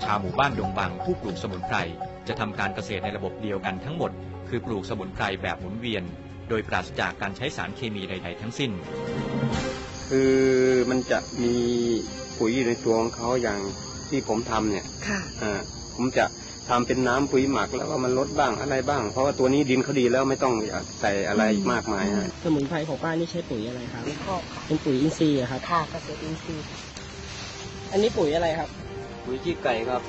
าวหมู่บ้านดงบางผู้ปลูกสมุนไพรจะทำการเกษตรในระบบเดียวกันทั้งหมดคือปลูกสมุนไพรแบบหมุนเวียนโดยปราศจากการใช้สารเคมีใดๆทั้งสิ้นคือมันจะมีปุ๋ยในตัวของเขาอย่างที่ผมทำเนี่ยผมจะทำเป็นน้ำปุ๋ยหมักแล้วก็มันลดบ้างอะไรบ้างเพราะว่าตัวนี้ดินเขาดีแล้วไม่ต้องใส่อะไรมากมายสมุนไพรของป้านี่ใช้ปุ๋ยอะไรครับเป็นปุ๋ยอินทรีย์ครับค่ะเกษตรอินทรีย์อันนี้ปุ๋ยอะไรครับปุ๋ยขี้ไก่ครับ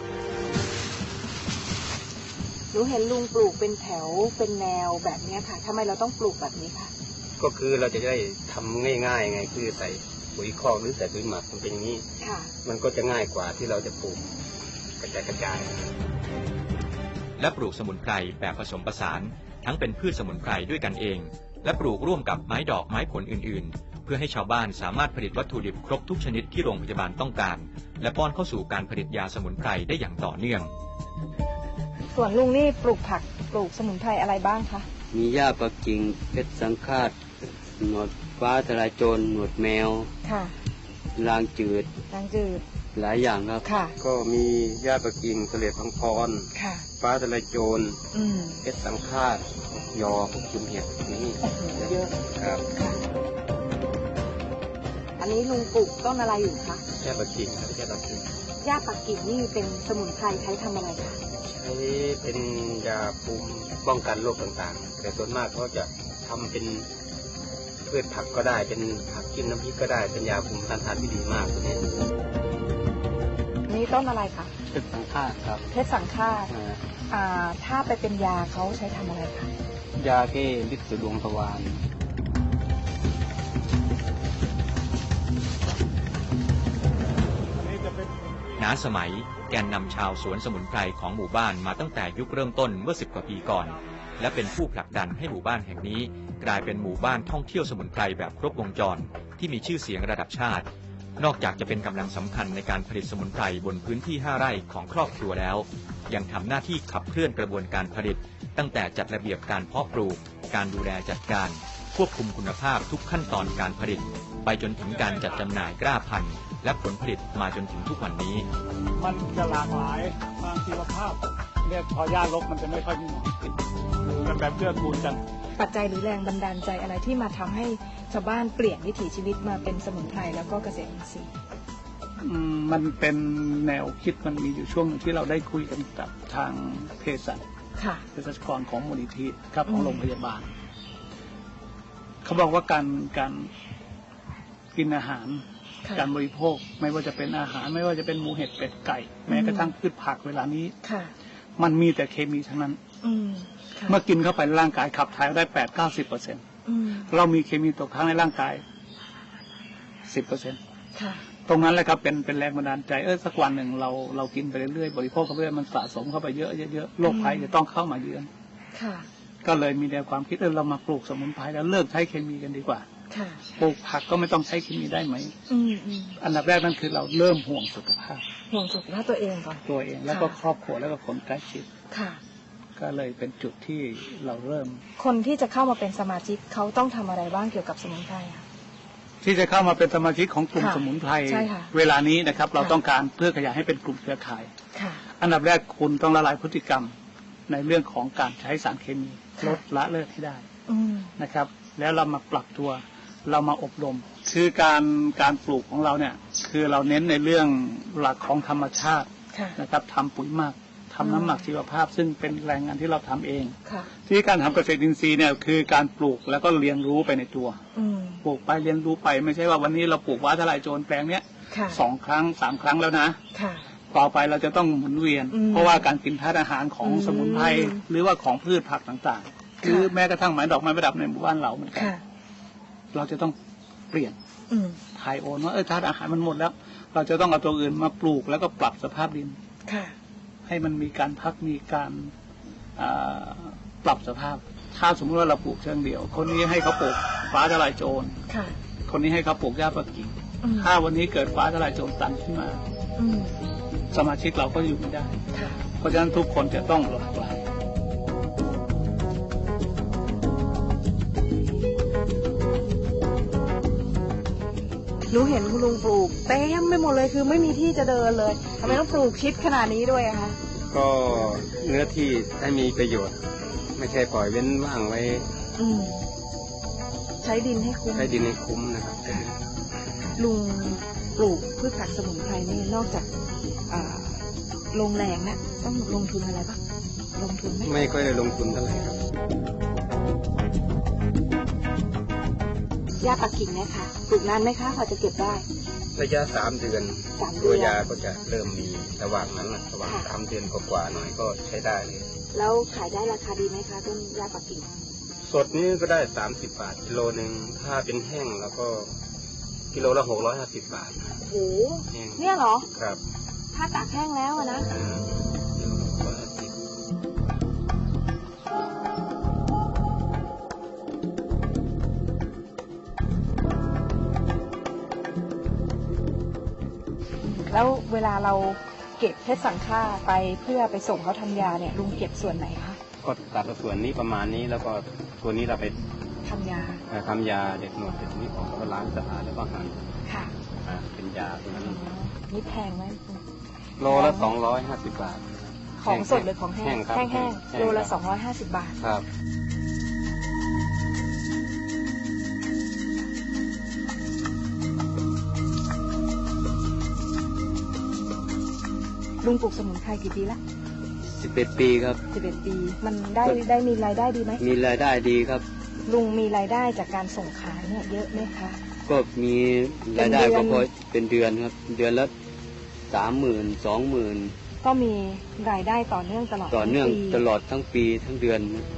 หนูเห็นลุงปลูกเป็นแถวเป็นแนวแบบนี้ค่ะทำไมเราต้องปลูกแบบนี้คะก็คือเราจะได้ทำง่ายๆไงคือใส่ปุ๋ยคอกหรือใส่ปุ๋ยหมักมันเป็นอย่างนี้มันก็จะง่ายกว่าที่เราจะปลูกกระจายและปลูกสมุนไพรแบบผสมผสานทั้งเป็นพืชสมุนไพรด้วยกันเองและปลูกร่วมกับไม้ดอกไม้ผลอื่นๆเพื่อให้ชาวบ้านสามารถผลิตวัตถุดิบครบทุกชนิดที่โรงพยาบาลต้องการและป้อนเข้าสู่การผลิตยาสมุนไพรได้อย่างต่อเนื่องส่วนลุงนี่ปลูกผักปลูกสมุนไพรอะไรบ้างคะมีหญ้าปักกิ่งเพชรสังฆาตหนวดฟ้าทลายโจรหนวดแมวลางจืดหลายอย่างครับก็มีหญ้าปักกิ่งเสลดพังพรฟ้าทลายโจรเพชรสังฆาตยอพวกจุ่มเห็ดนี่เยอะครับอันนี้ลุงปลูกต้นอะไรอยู่คะหญ้าปักกิ่งครับหญ้าปักกิ่งหญ้าปักกิ่งนี่เป็นสมุนไพรใช้ทำอะไรคะใช้เป็นยาภูมิป้องกันโรคต่างๆแต่ส่วนมากเขาจะทำเป็นพืชผักก็ได้เป็นผักกินน้ำพริกก็ได้เป็นยาภูมิต้านทานที่ดีมากตัวนี้นี่ต้นอะไรคะเพชรสังฆาตครับเพชรสังฆาตถ้าไปเป็นยาเขาใช้ทำอะไรคะยาแก้ฤทธิ์ดวงทวารณ สมัยแกนนำชาวสวนสมุนไพรของหมู่บ้านมาตั้งแต่ยุคเริ่มต้นเมื่อ10 กว่าปีก่อนและเป็นผู้ผลักดันให้หมู่บ้านแห่งนี้กลายเป็นหมู่บ้านท่องเที่ยวสมุนไพรแบบครบวงจรที่มีชื่อเสียงระดับชาตินอกจากจะเป็นกำลังสำคัญในการผลิตสมุนไพรบนพื้นที่5 ไร่ของครอบครัวแล้วยังทำหน้าที่ขับเคลื่อนกระบวนการผลิตตั้งแต่จัดระเบียบการเพาะปลูกการดูแลจัดการควบคุมคุณภาพทุกขั้นตอนการผลิตไปจนถึงการจัดจำหน่ายกล้าพันธุ์และผลผลิตมาจนถึงทุกวันนี้มันจะหลากหลายทางชีวภาพเนี่ยพอหญ้ารกมันจะไม่ค่อยมีหนอนติดมันแบบเกื้อกูลกันปัจจัยหรือแรงบันดาลใจอะไรที่มาทำให้ชาวบ้านเปลี่ยนวิถีชีวิตมาเป็นสมุนไพรแล้วก็เกษตรอินทรีย์มันเป็นแนวคิดมันมีอยู่ช่วงนึงที่เราได้คุยกันกับทางเภสัชกรของมูลนิธิครับของโรงพยาบาลเขาบอกว่าการกินอาหารการบริโภคไม่ว่าจะเป็นอาหารไม่ว่าจะเป็นหมูเห็ดเป็ดไก่แม้กระทั่งพืชผักเวลานี้มันมีแต่เคมีทั้งนั้นเมื่อกินเข้าไปร่างกายขับถ่ายได้80-90%เรามีเคมีตกค้างในร่างกาย10%ตรงนั้นแหละครับเป็นแรงบันดาลใจสักวันหนึ่งเรากินไปเรื่อยๆบริโภคเข้าไปเรื่อยมันสะสมเข้าไปเยอะโรคภัยจะต้องเข้ามาเยือนก็เลยมีแนวความคิดเรามาปลูกสมุนไพรแล้วเลิกใช้เคมีกันดีกว่าปลูกผักก็ไม่ต้องใช้เคมีได้ไหมอันดับแรกนั่นคือเราเริ่มห่วงสุขภาพตัวเองก่อนตัวเองแล้วก็ครอบครัวแล้วก็คนใกล้ชิดก็เลยเป็นจุดที่เราเริ่มคนที่จะเข้ามาเป็นสมาชิกเขาต้องทำอะไรบ้างเกี่ยวกับสมุนไพรที่จะเข้ามาเป็นสมาชิกของกลุ่มสมุนไพรเวลานี้นะครับเราต้องการเพื่อขยายให้เป็นกลุ่มเครือข่ายอันดับแรกคุณต้องละลายพฤติกรรมในเรื่องของการใช้สารเคมีลดละเลิกให้ได้นะครับแล้วเรามาปรับตัวเรามาอบรมคือการปลูกของเราเนี่ยคือเราเน้นในเรื่องหลักของธรรมชาตินะครับทำปุ๋ยหมักทำน้ำหมักชีวภาพซึ่งเป็นแรงงานที่เราทำเองที่การทำเกษตรอินทรีย์เนี่ยคือการปลูกแล้วก็เรียนรู้ไปในตัวปลูกไปเรียนรู้ไปไม่ใช่ว่าวันนี้เราปลูกว้าทลายโจรแปลงเนี้ย2 ครั้ง 3 ครั้งแล้วนะต่อไปเราจะต้องหมุนเวียนเพราะว่าการกินธาตุอาหารของสมุนไพรหรือว่าของพืชผักต่างๆคือแม้กระทั่งไม้ดอกไม้ประดับในหมู่บ้านเราเหมือนกันเราจะต้องเปลี่ยนถ่ายโอนว่าธาตุอาหารมันหมดแล้วเราจะต้องเอาตัวอื่นมาปลูกแล้วก็ปรับสภาพดินให้มันมีการพักมีการปรับสภาพถ้าสมมติว่าเราปลูกเชิงเดี่ยวคนนี้ให้เขาปลูกฟ้าทลายโจรคนนี้ให้เขาปลูกหญ้าปักกิ่งถ้าวันนี้เกิดฟ้าทลายโจรตันขึ้นมาสมาชิกเราก็อยู่ไม่ได้เพราะฉะนั้นทุกคนจะต้องหลากหลายหนูเห็นคุณลุงปลูกเต็มไปหมดเลยคือไม่มีที่จะเดินเลยทำไมต้องปลูกชิดขนาดนี้ด้วยอะคะก็เนื้อที่ให้มีประโยชน์ ไม่ใช่ปล่อยเว้นว่างไว้ใช้ดินให้คุ้มใช้ดินให้คุ้มนะครับลุงปลูกพืชผักสมุนไพรนี่นอกจากลงแรงนะต้องลงทุนอะไรบ้างลงทุนไหมไม่ค่อยได้ลงทุนเท่าไหร่ครับหญ้าปักกิ่งนะคะปลูกนานไหมคะพอจะเก็บได้ระยะ3 เดือน 3 ตัวยาก็จะเริ่มมีระหว่างนั้นนะระหว่าง3 เดือนกว่าๆหน่อยก็ใช้ได้เลยแล้วขายได้ราคาดีไหมคะต้นหญ้าปักกิ่งสดนี้ก็ได้30 บาทกิโลนึงถ้าเป็นแห้งแล้วก็กิโลละ650 บาทโอ้โหแห้งเนี่ยเหรอครับถ้าตากแห้งแล้วอะนะกิโลละ650 แล้วเวลาเราเก็บเพชรสังฆาไปเพื่อไปส่งเขาทำยาเนี่ยลุงเก็บส่วนไหนคะก็ตัดส่วนนี้ประมาณนี้แล้วก็ตัวนี้เราไปทำยาทำยาเด็กหนวดเด็กนี้ออกแล้วก็ล้างสะอาดแล้วก็หั่นค่ะเป็นยาตัวนั้นนี่แพงไหมโลละ250 บาทของสดหรือของแห้งแห้งครับแห้งแห้งโลละครับ 250 บาทครับลุงปลูกสมุนไพรกี่ปีละ 11 ปีครับ 11 ปี มันได้มีรายได้ดีไหมมีรายได้ดีครับลุงมีรายได้จากการส่งขายเนี่ยเยอะไหมคะก็มีรายได้เป็นเดือนก็พอเป็นเดือนครับ เดือนละ30,000 20,000 ก็มีรายได้ต่อเนื่องตลอดต่อเนื่องทั้ปีตลอดทั้งปีทั้งเดือน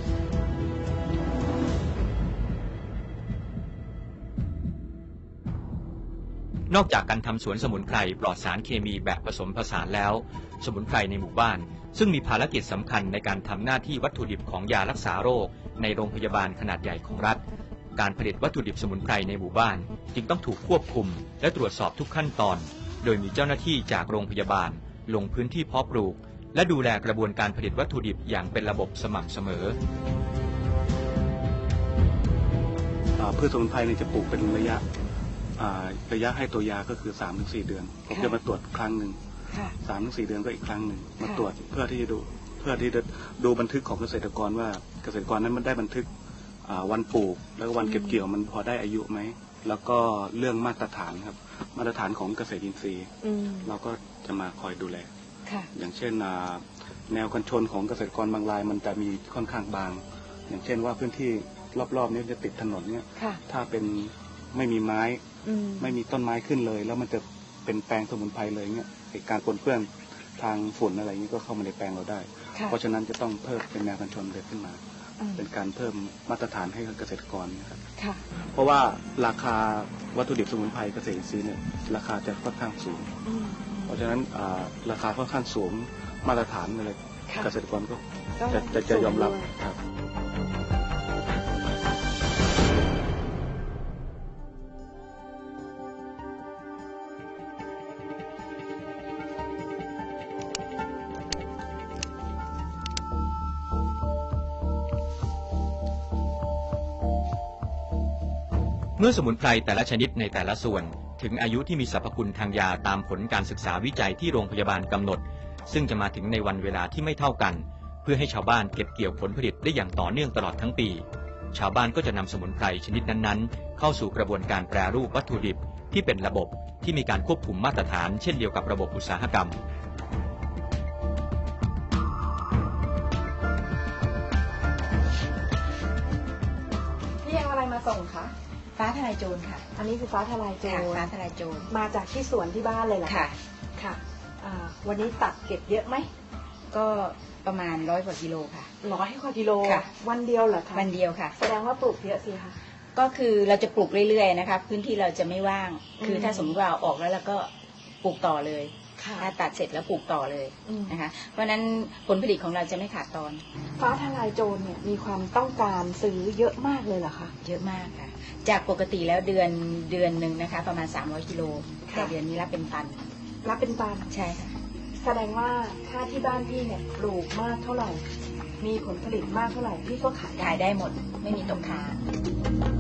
นอกจากการทำสวนสมุนไพรปลอดสารเคมีแบบผสมผสานแล้ว สมุนไพรในหมู่บ้านซึ่งมีภารกิจสำคัญในการทำหน้าที่วัตถุดิบของยารักษาโรคในโรงพยาบาลขนาดใหญ่ของรัฐ การผลิตวัตถุดิบสมุนไพรในหมู่บ้านจึงต้องถูกควบคุมและตรวจสอบทุกขั้นตอน โดยมีเจ้าหน้าที่จากโรงพยาบาลลงพื้นที่เพาะปลูกและดูแลกระบวนการผลิตวัตถุดิบอย่างเป็นระบบสม่ำเสมอพืชสมุนไพรเนี่ยจะปลูกเป็นระยะให้ตัวยาก็คือ 3-4 เดือนผมจะมาตรวจครั้งหนึ่ง 3-4 เดือนก็อีกครั้งหนึ่งมาตรวจเพื่อที่จะดูบันทึกของเกษตรกรว่าเกษตรกรนั้นมันได้บันทึกวันปลูกแล้วก็วันเก็บเกี่ยวมันพอได้อายุไหมแล้วก็เรื่องมาตรฐานครับมาตรฐานของเกษตรอินทรีย์เราก็จะมาคอยดูแลอย่างเช่นแนวกันชนของเกษตรกรบางรายมันจะมีค่อนข้างบางอย่างเช่นว่าพื้นที่รอบๆนี้จะติดถนนเนี่ยถ้าเป็นไม่มีไม้ไม่มีต้นไม้ขึ้นเลยแล้วมันจะเป็นแปลงสมุนไพรเลยเนี่ยการปนเปื้อนทางฝุ่นอะไรนี้ก็เข้ามาในแปลงเราได้เพราะฉะนั้นจะต้องเพิ่มเป็นแนวกันชนเดินขึ้นมาเป็นการเพิ่มมาตรฐานให้กับเกษตรกรนะครับเพราะว่าราคาวัตถุดิบสมุนไพรเกษตรอินทรีย์เนี่ยราคาจะค่อนข้างสูงเพราะฉะนั้นราคาค่อนข้างสูงมาตรฐานอะไรเกษตรกรก็จะยอมรับครับเมื่อสมุนไพรแต่ละชนิดในแต่ละส่วนถึงอายุที่มีสรรพคุณทางยาตามผลการศึกษาวิจัยที่โรงพยาบาลกำหนดซึ่งจะมาถึงในวันเวลาที่ไม่เท่ากันเพื่อให้ชาวบ้านเก็บเกี่ยวผลผลิตได้อย่างต่อเนื่องตลอดทั้งปีชาวบ้านก็จะนำสมุนไพรชนิดนั้นๆเข้าสู่กระบวนการแปรรูปวัตถุดิบที่เป็นระบบที่มีการควบคุมมาตรฐานเช่นเดียวกับระบบอุตสาหกรรมนี่เอาอะไรมาส่งคะฟ้าทลายโจรค่ะอันนี้คือฟ้าทลายโจรฟ้าทลายโจรมาจากที่สวนที่บ้านเลยเหรอค่ะค่ะวันนี้ตัดเก็บเยอะไหมก็ประมาณ100 กว่ากิโลค่ะ 100 กว่ากิโลค่ะวันเดียวเหรอคะวันเดียวค่ะแสดงว่าปลูกเยอะสิคะก็คือเราจะปลูกเรื่อยๆนะคะพื้นที่เราจะไม่ว่าง คือถ้าสมมติว่าเอาออกแล้วเราก็ปลูกต่อเลยถ้าตัดเสร็จแล้วปลูกต่อเลยนะคะเพราะฉะนั้นผลผลิตของเราจะไม่ขาดตอนฟ้าทลายโจรเนี่ยมีความต้องการซื้อเยอะมากเลยเหรอคะเยอะมากค่ะจากปกติแล้วเดือนหนึ่งนะคะประมาณ300 กิโลแต่เดือนนี้รับเป็นตันรับเป็นตันใช่ค่ะแสดงว่าถ้าที่บ้านพี่เนี่ยปลูกมากเท่าไหร่มีผลผลิตมากเท่าไหร่พี่ก็ขายขายได้หมดไม่มีตกค้าง